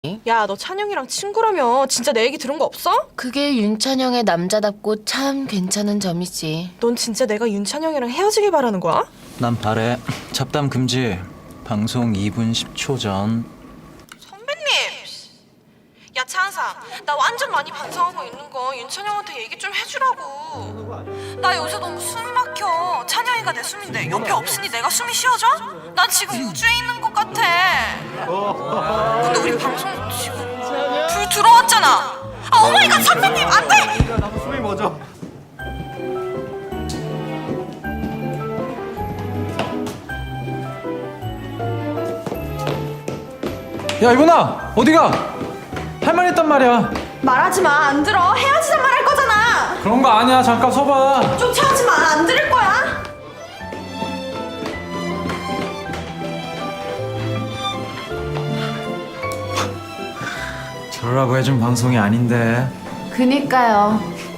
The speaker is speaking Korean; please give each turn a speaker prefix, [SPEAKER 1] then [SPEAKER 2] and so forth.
[SPEAKER 1] 야, 너 찬영이랑 친구라며. 진짜 내 얘기 들은 거 없어?
[SPEAKER 2] 그게 윤찬영의 남자답고 참 괜찮은 점이지.
[SPEAKER 1] 넌 진짜 내가 윤찬영이랑 헤어지길 바라는 거야?
[SPEAKER 3] 난 바래. 잡담 금지. 방송 2분 10초 전.
[SPEAKER 1] 선배님! 야, 찬상. 나 완전 많이 반성하고 있는 거 윤찬영한테 얘기 좀 해주라고. 나 요새 너무 숨이 막혀. 찬영이가 내 숨인데 옆에 없으니 내가 숨이 쉬어져? 난 지금 우주에 있는 것 같아. 근데 우리 방송 지금 불 들어왔잖아. 아, 오마이갓, 선배님! 안 돼!
[SPEAKER 4] 나도 숨이 멎어.
[SPEAKER 5] 야 이분아 어디가? 할 말 있단 말이야.
[SPEAKER 1] 말하지 마. 안 들어. 헤어지자 말할 거잖아.
[SPEAKER 5] 그런 거 아니야. 잠깐 서봐.
[SPEAKER 1] 쫓아오지 마. 안 들을 거야.
[SPEAKER 5] 저러라고 해준 방송이 아닌데.
[SPEAKER 2] 그니까요.